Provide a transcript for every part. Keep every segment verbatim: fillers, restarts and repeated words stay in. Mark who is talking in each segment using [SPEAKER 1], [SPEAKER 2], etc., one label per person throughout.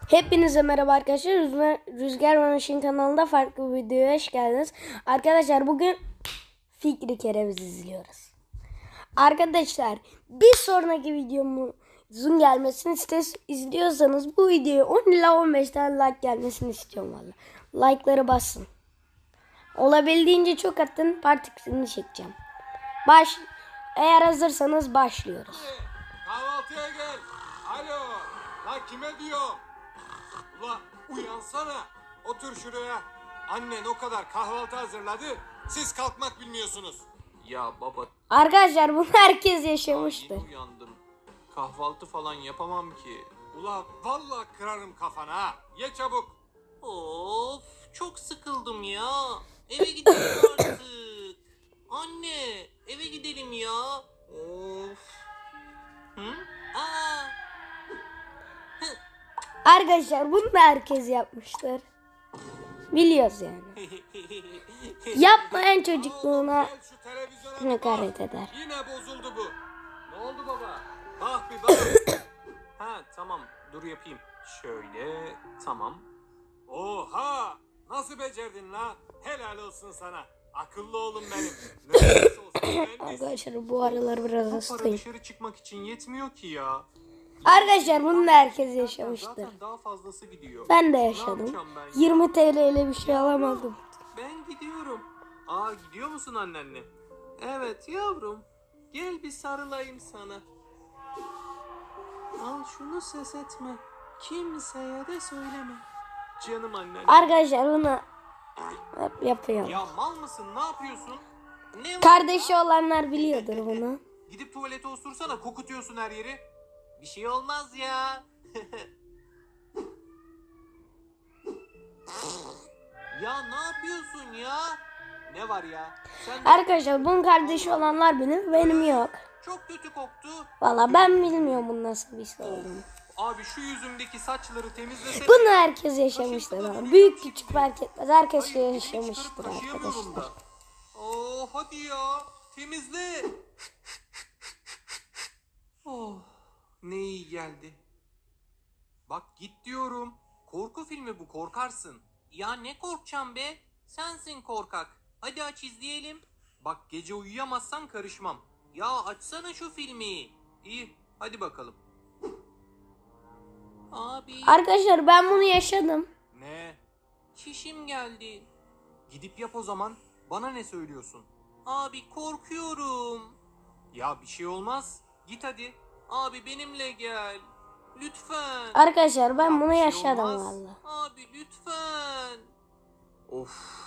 [SPEAKER 1] Hepinize merhaba arkadaşlar. Rüzgar, Rüzgar ve Meşin kanalında farklı bir videoya hoş geldiniz. Arkadaşlar bugün Fikri Kereviz izliyoruz. Arkadaşlar bir sonraki videomuzun gelmesini istes, izliyorsanız bu videoya on ila on beş tane like gelmesini istiyorum valla. Like'ları basın. Olabildiğince çok atın, partikisini çekeceğim. Baş, eğer hazırsanız başlıyoruz.
[SPEAKER 2] Kahvaltıya gel. Alo. La kime diyor? Ula uyansana. Otur şuraya. Annen o kadar kahvaltı hazırladı. Siz kalkmak bilmiyorsunuz.
[SPEAKER 3] Ya baba,
[SPEAKER 1] Arkadaşlar bunu herkes
[SPEAKER 3] daha
[SPEAKER 1] yaşamıştır.
[SPEAKER 3] yeni uyandım. Kahvaltı falan yapamam ki.
[SPEAKER 2] Ula vallahi kırarım kafana ha. Ye çabuk.
[SPEAKER 4] Of, çok sıkıldım ya. Eve gidelim artık. Anne, eve gidelim ya. Of. Hı? Aa.
[SPEAKER 1] Arkadaşlar bunu da herkes yapmıştır. Biliyoruz yani. Yapmayan çocukluğuna
[SPEAKER 2] Gel şu televizyona bir bak.
[SPEAKER 1] hakaret eder.
[SPEAKER 2] Yine bozuldu bu. Ne oldu baba? Bak bir bak.
[SPEAKER 3] Ha tamam, dur yapayım. Şöyle, tamam.
[SPEAKER 2] Oha! Nasıl becerdin la? Helal olsun sana. Akıllı oğlum benim. Mühendis olsun mühendis.
[SPEAKER 1] Arkadaşlar bu aralar biraz
[SPEAKER 3] Bu para
[SPEAKER 1] hastayım.
[SPEAKER 3] dışarı çıkmak için yetmiyor ki ya.
[SPEAKER 1] Arkadaşlar bunu da herkes yaşamıştır.
[SPEAKER 3] Zaten daha fazlası gidiyor.
[SPEAKER 1] Ben de
[SPEAKER 3] Ne
[SPEAKER 1] yaşadım.
[SPEAKER 3] yapacağım ben ya?
[SPEAKER 1] yirmi T L ile bir şey alamadım.
[SPEAKER 3] Ben gidiyorum. Aa, gidiyor musun annenle? Evet yavrum. Gel bir sarılayım sana. Al şunu, ses etme. Kimseye de söyleme. Canım annem.
[SPEAKER 1] Arkadaşlar bunu hep yapıyorum.
[SPEAKER 3] Ya mal mısın? Ne yapıyorsun?
[SPEAKER 4] Ne var?
[SPEAKER 1] Kardeşi olanlar biliyordur bunu.
[SPEAKER 3] Gidip tuvalete osursana, kokutuyorsun her yeri.
[SPEAKER 4] Bir şey olmaz ya. Ya ne yapıyorsun ya?
[SPEAKER 3] Ne var ya? Sen
[SPEAKER 1] Arkadaşlar bunun kardeşi olanlar bilir, benim yok.
[SPEAKER 3] çok kötü koktu.
[SPEAKER 1] Valla ben bilmiyorum bunun nasıl bir şey olduğunu.
[SPEAKER 3] Abi şu yüzümdeki saçları temizlesene.
[SPEAKER 1] Bunu herkes yaşamıştır ama büyük küçük fark etmez. Herkes şey
[SPEAKER 3] Hayır, elimi
[SPEAKER 1] yaşamıştır
[SPEAKER 3] çıkarıp taşıyamıyorum
[SPEAKER 1] arkadaşlar.
[SPEAKER 3] da. Oh hadi ya. Temizle. Oh, ne iyi geldi. Bak git diyorum. Korku filmi bu, korkarsın.
[SPEAKER 4] Ya ne korkacağım be? Sensin korkak. Hadi aç izleyelim.
[SPEAKER 3] Bak gece uyuyamazsan karışmam.
[SPEAKER 4] Ya açsana şu filmi.
[SPEAKER 3] İyi, hadi bakalım.
[SPEAKER 4] Abi,
[SPEAKER 1] Arkadaşlar ben bunu yaşadım.
[SPEAKER 3] Ne?
[SPEAKER 4] çişim geldi.
[SPEAKER 3] Gidip yap o zaman. Bana ne söylüyorsun?
[SPEAKER 4] Abi korkuyorum.
[SPEAKER 3] Ya bir şey olmaz. Git hadi.
[SPEAKER 4] Abi benimle gel. Lütfen.
[SPEAKER 1] Arkadaşlar ben
[SPEAKER 3] Ya
[SPEAKER 1] bunu
[SPEAKER 3] bir şey
[SPEAKER 1] yaşadım
[SPEAKER 3] olmaz.
[SPEAKER 1] valla.
[SPEAKER 4] Abi lütfen.
[SPEAKER 3] Of.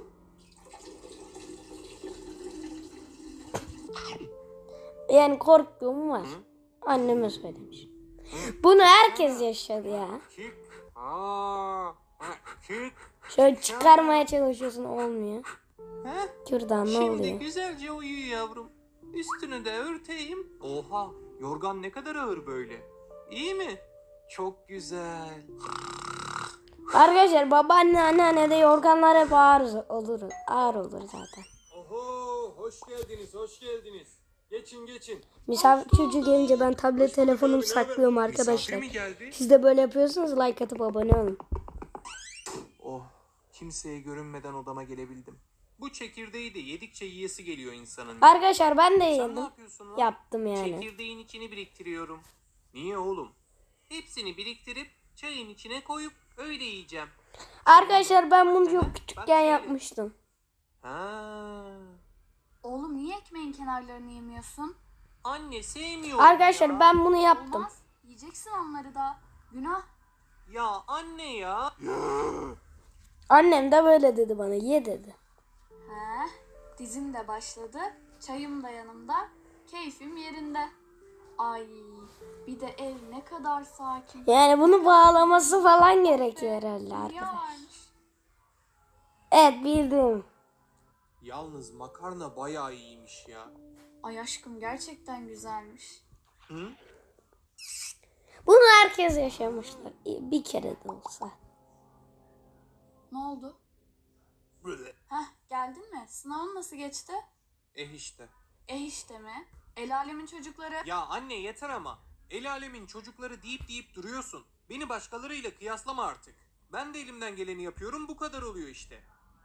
[SPEAKER 1] Yani korktuğum var. Anneme söylemiş. Bunu herkes yaşadı ya.
[SPEAKER 2] Çık. Aa, ha, çık.
[SPEAKER 1] Şöyle çıkarmaya çalışıyorsun, olmuyor.
[SPEAKER 4] Heh,
[SPEAKER 1] Kürdan ne
[SPEAKER 4] şimdi
[SPEAKER 1] oluyor?
[SPEAKER 4] güzelce uyu yavrum. Üstünü de örteyim.
[SPEAKER 3] Oha, yorgan ne kadar ağır böyle. İyi mi? Çok güzel.
[SPEAKER 1] Arkadaşlar babaanne anneanne de yorganlar hep ağır olur. Ağır olur zaten.
[SPEAKER 2] Oho, hoş geldiniz, hoş geldiniz. Geçin geçin.
[SPEAKER 1] Misafir çocuğu gelince ben tablet telefonumu saklıyorum
[SPEAKER 3] Misafir
[SPEAKER 1] arkadaşlar.
[SPEAKER 3] mi geldi?
[SPEAKER 1] Siz de böyle yapıyorsunuz, like atıp abone olun.
[SPEAKER 3] Oh, kimseye görünmeden odama gelebildim. Bu çekirdeği de yedikçe yiyesi geliyor insanın.
[SPEAKER 1] Arkadaşlar ben de
[SPEAKER 3] Sen ne
[SPEAKER 1] yedim.
[SPEAKER 3] yapıyorsun lan?
[SPEAKER 1] Yaptım yani.
[SPEAKER 4] Çekirdeğin içini biriktiriyorum.
[SPEAKER 3] Niye oğlum?
[SPEAKER 4] Hepsini biriktirip çayın içine koyup öyle yiyeceğim.
[SPEAKER 1] Arkadaşlar ben bunu çok
[SPEAKER 4] Bak
[SPEAKER 1] küçükken
[SPEAKER 4] şöyle.
[SPEAKER 1] yapmıştım.
[SPEAKER 3] Ha.
[SPEAKER 5] Oğlum niye ekmeğin kenarlarını yemiyorsun?
[SPEAKER 4] Anne sevmiyorum
[SPEAKER 1] Arkadaşlar
[SPEAKER 4] ya.
[SPEAKER 1] ben bunu yaptım.
[SPEAKER 5] Olmaz. Yiyeceksin onları da. Günah.
[SPEAKER 4] Ya anne ya.
[SPEAKER 1] Annem de böyle dedi bana, ye dedi.
[SPEAKER 5] He, dizim de başladı. Çayım da yanımda. Keyfim yerinde. Ay, bir de ev ne kadar sakin.
[SPEAKER 1] Yani bunu bağlaması falan gerekiyor herhalde
[SPEAKER 5] Hülya
[SPEAKER 1] arkadaşlar.
[SPEAKER 5] varmış.
[SPEAKER 1] Evet bildim.
[SPEAKER 3] Yalnız makarna bayağı iyiymiş ya.
[SPEAKER 5] Ay aşkım gerçekten güzelmiş.
[SPEAKER 3] Hı?
[SPEAKER 1] Bunu herkes yaşamıştır. Bir kere de olsa.
[SPEAKER 5] Ne oldu?
[SPEAKER 3] Böyle.
[SPEAKER 5] Heh, geldin mi? Sınavın nasıl geçti?
[SPEAKER 3] Eh işte.
[SPEAKER 5] E işte mi? El alemin çocukları.
[SPEAKER 4] Ya anne yeter ama.
[SPEAKER 3] El alemin çocukları deyip deyip duruyorsun. Beni başkalarıyla kıyaslama artık. Ben de elimden geleni yapıyorum, bu kadar oluyor işte.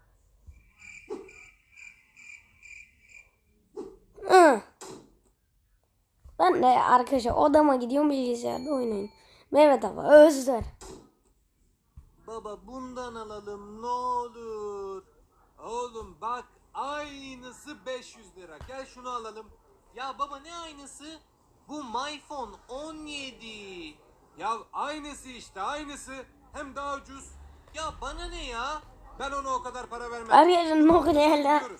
[SPEAKER 1] Hı. Ben de arkadaşlar odama gidiyorum, bilgisayarda oynayın. Mehmet abi özler.
[SPEAKER 3] Baba bundan alalım ne olur.
[SPEAKER 2] Oğlum bak aynısı beş yüz lira. Gel şunu alalım.
[SPEAKER 4] Ya baba ne aynısı? Bu MyPhone on yedi.
[SPEAKER 2] Ya aynısı işte aynısı. Hem daha ucuz.
[SPEAKER 4] Ya bana ne ya?
[SPEAKER 2] Ben ona o kadar para vermem.
[SPEAKER 1] Arkadaşlar Nokia'yla
[SPEAKER 2] Gidiyoruz.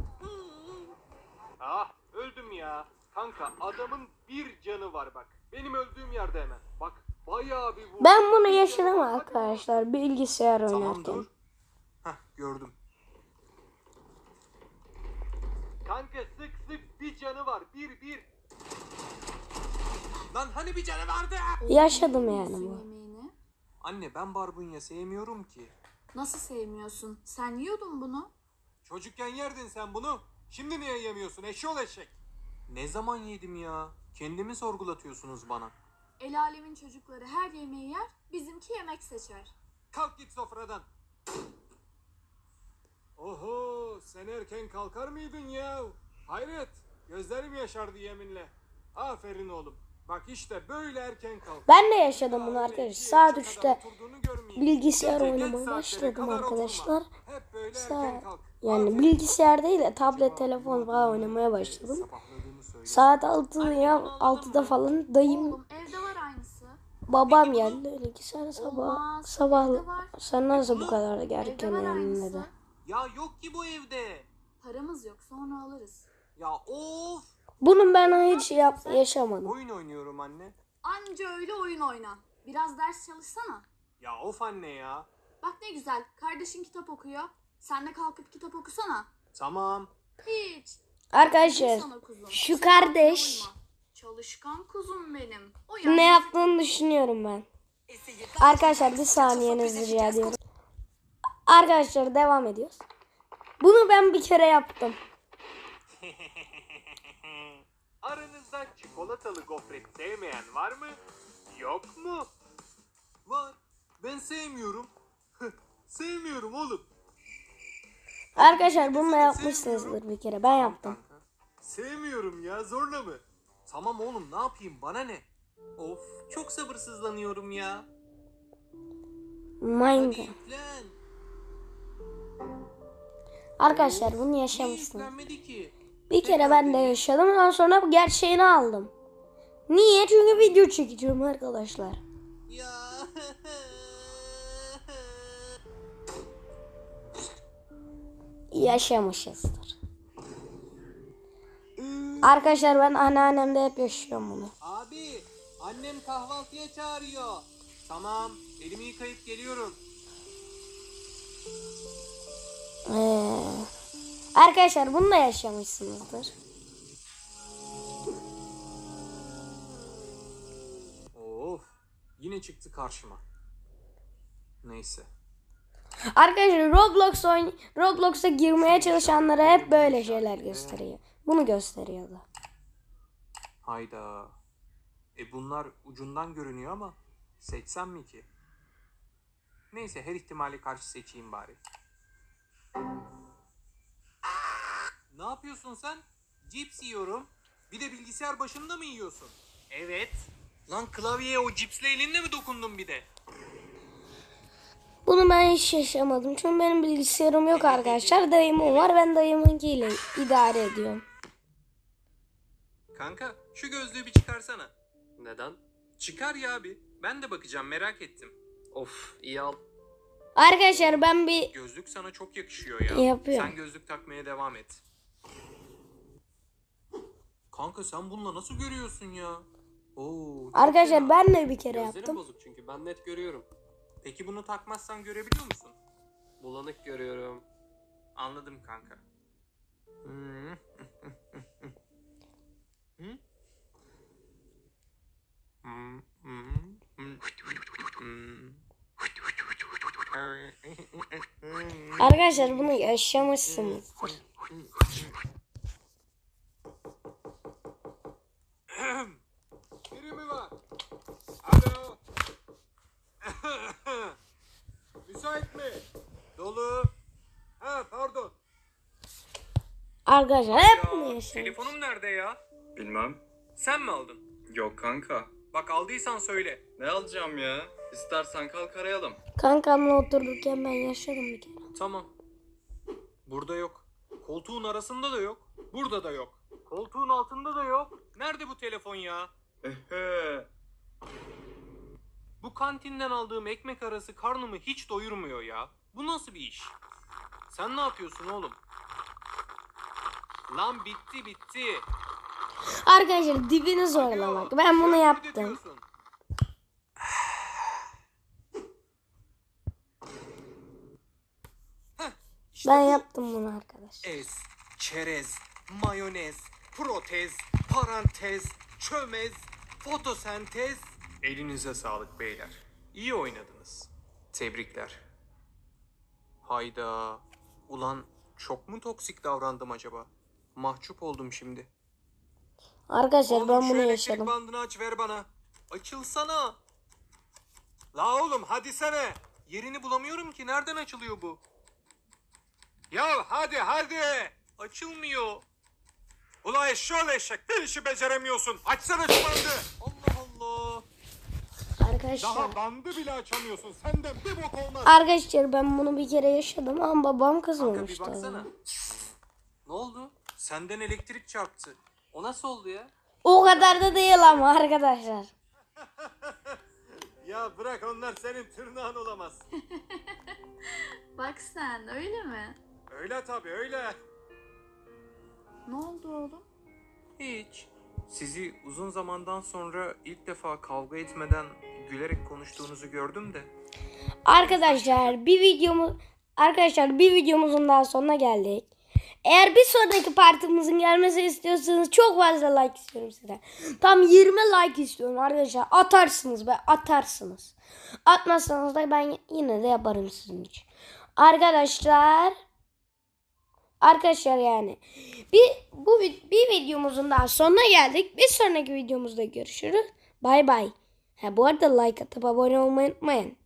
[SPEAKER 2] Ah öldüm ya. Kanka adamın bir canı var bak. Benim öldüğüm yerde hemen. Bak bayağı bir vurdu.
[SPEAKER 1] ben bunu
[SPEAKER 2] Bir
[SPEAKER 1] yaşadım
[SPEAKER 2] canı var. Hadi
[SPEAKER 1] arkadaşlar bilgisayar
[SPEAKER 3] Tamam
[SPEAKER 1] oynarken.
[SPEAKER 3] dur. Hah gördüm.
[SPEAKER 2] Kanka sık sık bir canı var. Bir bir. Lan hani bir canı vardı?
[SPEAKER 1] Yaşadım yani
[SPEAKER 5] Yemeğini
[SPEAKER 1] bu.
[SPEAKER 5] yemeğini.
[SPEAKER 3] Anne ben barbunya sevmiyorum ki.
[SPEAKER 5] Nasıl sevmiyorsun? Sen yiyordun bunu.
[SPEAKER 2] Çocukken yerdin sen bunu. Şimdi niye yemiyorsun eşşoğlu eşek?
[SPEAKER 3] Ne zaman yedim ya? Kendimi sorgulatıyorsunuz bana.
[SPEAKER 5] El alemin çocukları her yemeği yer, bizimki yemek seçer.
[SPEAKER 2] Kalk git sofradan. Oho sen erken kalkar mıydın ya? Hayret gözlerim yaşardı yeminle. Aferin oğlum. Bak işte böyle erken kalk.
[SPEAKER 1] Ben de yaşadım bunu
[SPEAKER 2] Öyle
[SPEAKER 1] arkadaşlar.
[SPEAKER 2] iki,
[SPEAKER 1] Saat
[SPEAKER 2] üçe
[SPEAKER 1] üçte
[SPEAKER 2] kadar oturduğunu görmeyeyim.
[SPEAKER 1] bilgisayar
[SPEAKER 2] Gece geç
[SPEAKER 1] oynamaya
[SPEAKER 2] saatlere
[SPEAKER 1] başladım
[SPEAKER 2] kadar oturma.
[SPEAKER 1] arkadaşlar.
[SPEAKER 2] Hep böyle
[SPEAKER 1] Saat
[SPEAKER 2] erken kalk.
[SPEAKER 1] yani
[SPEAKER 2] Aferin.
[SPEAKER 1] bilgisayar değil de tablet, telefon falan oynamaya başladım.
[SPEAKER 3] Sabahladığımı söyle.
[SPEAKER 1] Saat altı ya altıda falan dayım
[SPEAKER 5] Oğlum evde var aynısı.
[SPEAKER 1] babam geldi. Öyle ki sen sabah
[SPEAKER 5] Olmaz,
[SPEAKER 1] sabah
[SPEAKER 5] evde var.
[SPEAKER 1] sen nasıl bu kadar
[SPEAKER 5] Evde
[SPEAKER 1] erken
[SPEAKER 5] var
[SPEAKER 1] uyandın
[SPEAKER 5] aynısı.
[SPEAKER 1] dedi.
[SPEAKER 4] Ya yok ki bu evde.
[SPEAKER 5] Paramız yok, sonra alırız.
[SPEAKER 4] Ya of.
[SPEAKER 1] Bunun ben hiç yap yaşamadım.
[SPEAKER 3] Oyun oynuyorum anne.
[SPEAKER 5] Anca öyle oyun oyna. Biraz ders çalışsana.
[SPEAKER 3] Ya of anne ya.
[SPEAKER 5] Bak ne güzel, kardeşin kitap okuyor. Sen de kalkıp kitap okusana.
[SPEAKER 3] Tamam.
[SPEAKER 5] Hiç.
[SPEAKER 1] Arkadaşlar
[SPEAKER 5] Sana kuzum.
[SPEAKER 1] şu
[SPEAKER 5] Sen
[SPEAKER 1] kardeş
[SPEAKER 5] uyma. Çalışkan kuzum benim. Uyan.
[SPEAKER 1] ne yaptığını düşünüyorum ben. Arkadaşlar bir saniyenizi rica ediyorum. Arkadaşlar devam ediyoruz. Bunu ben bir kere yaptım.
[SPEAKER 2] Aranızda çikolatalı gofret sevmeyen var mı? Yok mu?
[SPEAKER 3] Var. Ben sevmiyorum. Sevmiyorum oğlum.
[SPEAKER 1] Arkadaşlar bunu da yapmışsınızdır bir kere. Ben yaptım.
[SPEAKER 3] Kanka. Sevmiyorum ya zorla mı? Tamam oğlum ne yapayım bana ne?
[SPEAKER 4] Of çok sabırsızlanıyorum ya. Hadi
[SPEAKER 1] Minecraft.
[SPEAKER 4] yüklen.
[SPEAKER 1] Arkadaşlar bunu
[SPEAKER 4] Niye
[SPEAKER 1] yaşamışsınız.
[SPEAKER 4] yüklenmedi ki?
[SPEAKER 1] Bir kere ben de yaşadım. Ondan sonra bu gerçeğini aldım. Niye? Çünkü video çekeceğim arkadaşlar.
[SPEAKER 4] Ya.
[SPEAKER 1] Yaşamışızdır. Arkadaşlar ben anneannemde hep yaşıyorum bunu.
[SPEAKER 4] Abi annem kahvaltıya çağırıyor.
[SPEAKER 3] Tamam elimi yıkayıp geliyorum.
[SPEAKER 1] Ee, arkadaşlar bunu da yaşamışsınızdır.
[SPEAKER 3] Of yine çıktı karşıma. Neyse.
[SPEAKER 1] Arkadaşlar Roblox oyn Roblox'a girmeye çalışanlara hep böyle şeyler gösteriyor. Bunu gösteriyordu.
[SPEAKER 3] Hayda. E bunlar ucundan görünüyor ama seçsem mi ki? Neyse her ihtimale karşı seçeyim bari.
[SPEAKER 4] Ne yapıyorsun sen? Cips yiyorum.
[SPEAKER 3] Bir de bilgisayar başında mı yiyorsun?
[SPEAKER 4] Evet. Lan klavyeye o cipsle elinle mi dokundun bir de?
[SPEAKER 1] Bunu ben hiç yaşamadım. Çünkü benim bilgisayarım yok arkadaşlar. Dayımın var. Ben dayımınkiyle idare ediyorum.
[SPEAKER 3] Kanka şu gözlüğü bir çıkarsana. Neden? Çıkar ya bir. Ben de bakacağım merak ettim. Of iyi al.
[SPEAKER 1] Arkadaşlar ben bir
[SPEAKER 3] Gözlük sana çok yakışıyor ya.
[SPEAKER 1] Yapıyorum.
[SPEAKER 3] Sen gözlük takmaya devam et. Kanka sen bununla nasıl görüyorsun ya? Oo, çok
[SPEAKER 1] arkadaşlar
[SPEAKER 3] fena.
[SPEAKER 1] ben de bir kere
[SPEAKER 6] Gözlerim
[SPEAKER 1] yaptım.
[SPEAKER 6] bozuk çünkü ben net görüyorum.
[SPEAKER 3] Peki bunu takmazsan görebiliyor musun?
[SPEAKER 6] Bulanık görüyorum.
[SPEAKER 3] Anladım kanka. Hmm. Hı? Hmm, hmm, hmm, hmm.
[SPEAKER 1] Arkadaşlar bunu yaşamışsınızdır.
[SPEAKER 2] Biri mi var?
[SPEAKER 1] Arkadaşlar hep
[SPEAKER 3] Ya,
[SPEAKER 1] bunu yaşıyoruz.
[SPEAKER 3] telefonum nerede ya?
[SPEAKER 7] Bilmem.
[SPEAKER 3] Sen mi aldın?
[SPEAKER 7] Yok kanka.
[SPEAKER 3] Bak aldıysan söyle.
[SPEAKER 7] Ne alacağım ya? İstersen kalk arayalım.
[SPEAKER 1] Kankamla otururken ben yaşadım bir kere.
[SPEAKER 3] Tamam. Burada yok. Koltuğun arasında da yok. Burada da yok. Koltuğun altında da yok. Nerede bu telefon ya?
[SPEAKER 7] Ehe.
[SPEAKER 3] Bu kantinden aldığım ekmek arası karnımı hiç doyurmuyor ya. Bu nasıl bir iş? Sen ne yapıyorsun oğlum? Lan bitti bitti.
[SPEAKER 1] Arkadaşlar dibini zorlamak. Ben bunu
[SPEAKER 3] Şöyle
[SPEAKER 1] yaptım.
[SPEAKER 3] ödetiyorsun. Heh, işte
[SPEAKER 1] Ben
[SPEAKER 3] bu.
[SPEAKER 1] yaptım bunu arkadaşlar.
[SPEAKER 3] Ez, çerez, mayonez, protez, parantez, çömez, fotosentez. Elinize sağlık beyler. İyi oynadınız. Tebrikler. Hayda. Ulan çok mu toksik davrandım acaba? Mahcup oldum şimdi.
[SPEAKER 1] Arkadaşlar
[SPEAKER 3] Oğlum
[SPEAKER 1] ben
[SPEAKER 3] şu
[SPEAKER 1] bunu
[SPEAKER 3] elektrik
[SPEAKER 1] yaşadım.
[SPEAKER 3] bandını aç ver bana. Açılsana. La oğlum hadi sene. Yerini bulamıyorum ki. Nereden açılıyor bu? Ya hadi hadi. Açılmıyor. Ula eşşoğlu eşek. Bir işi beceremiyorsun. Açsana şu bandı. Allah Allah.
[SPEAKER 1] Arkadaşlar.
[SPEAKER 2] Daha bandı bile açamıyorsun. Senden bir bok olmaz.
[SPEAKER 1] Arkadaşlar ben bunu bir kere yaşadım ama babam
[SPEAKER 3] Kanka bir
[SPEAKER 1] kızmamıştı.
[SPEAKER 3] baksana. Ne oldu? Senden elektrik çarptı. O nasıl oldu ya?
[SPEAKER 1] O kadar da değil ama arkadaşlar.
[SPEAKER 2] Ya bırak, onlar senin tırnağın olamaz.
[SPEAKER 5] Bak sen öyle mi?
[SPEAKER 2] Öyle tabii öyle.
[SPEAKER 5] Ne oldu oğlum?
[SPEAKER 3] Hiç. Sizi uzun zamandan sonra ilk defa kavga etmeden gülerek konuştuğunuzu gördüm de.
[SPEAKER 1] Arkadaşlar bir videomuz Arkadaşlar bir videomuzun daha sonuna geldik. Eğer bir sonraki partimizin gelmesi istiyorsanız çok fazla like istiyorum size. Tam yirmi like istiyorum arkadaşlar. Atarsınız be, atarsınız. Atmazsanız da ben yine de yaparım sizin için. Arkadaşlar Arkadaşlar yani bir bu bir videomuzun daha sonuna geldik. Bir sonraki videomuzda görüşürüz. Bay bay. Ha bu arada like atıp abone olmayı unutmayın.